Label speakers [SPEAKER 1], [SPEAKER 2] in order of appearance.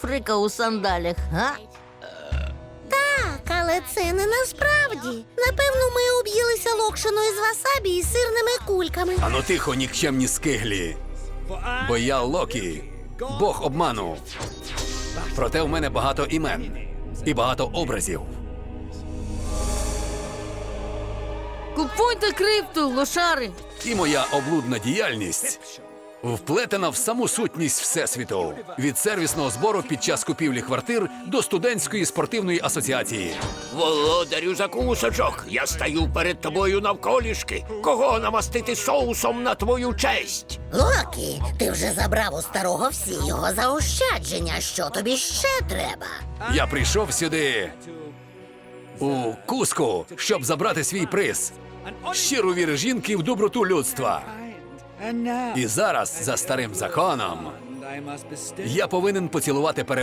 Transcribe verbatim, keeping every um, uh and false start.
[SPEAKER 1] фрика у сандалях, га?
[SPEAKER 2] Так, але це не насправді. Напевно, ми об'їлися локшиною з васабі і сирними кульками.
[SPEAKER 3] Ану тихо, нікчемні скиглі. Бо я Локі, бог обману. Проте в мене багато імен і багато образів.
[SPEAKER 1] Купуйте крипту, лошари!
[SPEAKER 3] І моя облудна діяльність вплетена в саму сутність Всесвіту. Від сервісного збору під час купівлі квартир до студентської спортивної асоціації.
[SPEAKER 4] Володарю закусочок, я стаю перед тобою навколішки. Кого намастити соусом на твою честь?
[SPEAKER 2] Локі, ти вже забрав у старого всі його заощадження. Що тобі ще треба?
[SPEAKER 3] Я прийшов сюди у Куску, щоб забрати свій приз. Щиру віру жінки в доброту людства. І зараз, за старим законом, я повинен поцілувати перед